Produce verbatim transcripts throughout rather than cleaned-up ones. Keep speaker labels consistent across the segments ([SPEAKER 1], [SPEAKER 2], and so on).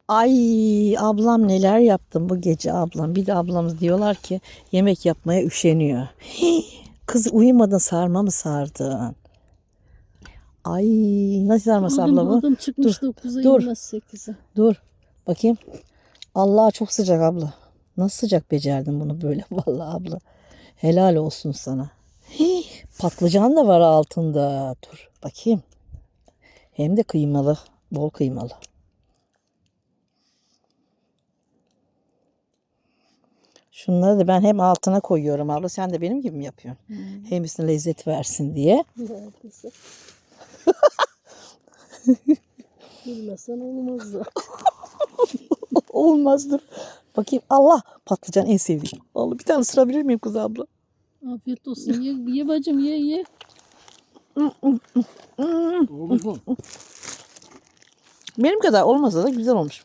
[SPEAKER 1] Ay ablam neler yaptım bu gece ablam. Bir de ablamız diyorlar ki yemek yapmaya üşeniyor. Hii, kız uyumadın sarma mı sardın? Ay nasıl sarması
[SPEAKER 2] Oğlum
[SPEAKER 1] abla bu?
[SPEAKER 2] adam çıkmış
[SPEAKER 1] Dur,
[SPEAKER 2] dokuza
[SPEAKER 1] dur.
[SPEAKER 2] inmez sekize.
[SPEAKER 1] Dur bakayım. Allah çok sıcak abla. Nasıl sıcak becerdin bunu böyle vallahi abla. Helal olsun sana. Hii, patlıcan da var altında. Dur bakayım. Hem de kıymalı. Bol kıymalı. Şunları da ben hem altına koyuyorum abla. Sen de benim gibi mi yapıyorsun?
[SPEAKER 2] Hmm.
[SPEAKER 1] Hem üstüne lezzet versin diye.
[SPEAKER 2] Neredeyse. Bilmesen olmaz zaten.
[SPEAKER 1] Olmazdır. Bakayım Allah patlıcan en sevdiğim. Allah bir tane ısırabilir miyim kız abla?
[SPEAKER 2] Afiyet olsun. Ye, ye bacım ye ye.
[SPEAKER 3] Olmuş mu?
[SPEAKER 1] Benim kadar olmasa da güzel olmuş.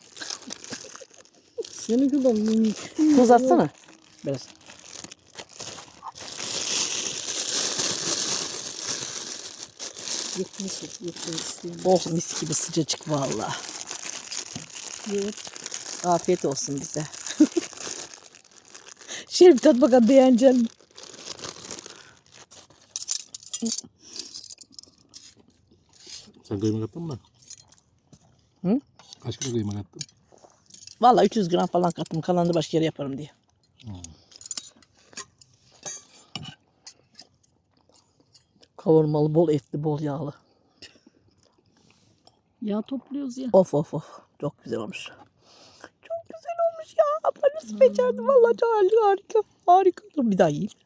[SPEAKER 2] Senin kadar mümkün.
[SPEAKER 1] Tuz atsana. Biraz.
[SPEAKER 2] Yetmez yok. Yetmez isteyemem.
[SPEAKER 1] Oh mis gibi sıcacık valla.
[SPEAKER 2] Ye.
[SPEAKER 1] Afiyet olsun bize. Şöyle bir tat bakalım beğenecek misin?
[SPEAKER 3] Sen kıyma kattın mı?
[SPEAKER 1] Hı?
[SPEAKER 3] Kaç kilo kıyma kattın?
[SPEAKER 1] Valla üç yüz gram falan kattım. Kalanını da başka yere yaparım diye.
[SPEAKER 3] Hmm.
[SPEAKER 1] Kavurmalı, bol etli, bol yağlı.
[SPEAKER 2] Yağ topluyoruz ya.
[SPEAKER 1] Of of of. Çok güzel olmuş. Çok güzel olmuş ya. Abla nasıl becerdi? Valla çok harika. Harika. Dur bir daha yiyeyim.